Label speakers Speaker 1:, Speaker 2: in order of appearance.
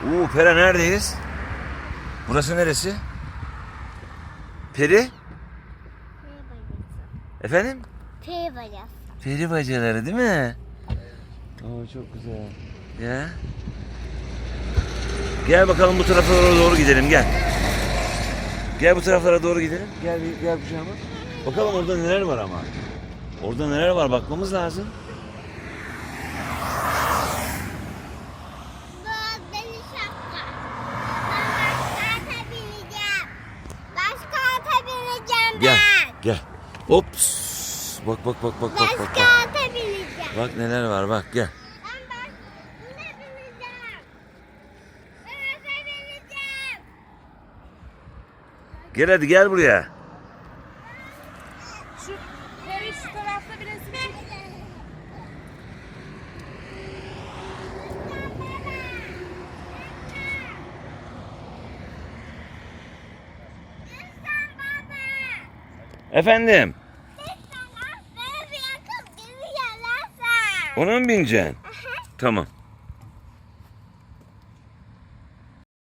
Speaker 1: Pera neredeyiz? Burası neresi? Peri?
Speaker 2: Peri bacası.
Speaker 1: Efendim?
Speaker 2: Peri bacası.
Speaker 1: Peri bacaları değil mi? Çok güzel. Ya. Gel bakalım bu taraflara doğru gidelim gel. Gel bu taraflara doğru gidelim. Gel kucağıma. Bakalım orada neler var ama. Orada neler var bakmamız lazım.
Speaker 2: Bu deli şapka. Ben başka ata bineceğim. Başka ata bineceğim
Speaker 1: Gel.
Speaker 2: ben.
Speaker 1: Gel. Ops. Bak.
Speaker 2: Başka ata bineceğim.
Speaker 1: Bak neler var bak gel.
Speaker 2: Ben buna bineceğim. Ben ata bineceğim.
Speaker 1: Gel hadi gel buraya.
Speaker 3: Şu Peri şu tarafta bir resim çek.
Speaker 1: Efendim.
Speaker 2: Beni bir yakıp geri gelirsen.
Speaker 1: Ona mı bineceksin? Tamam.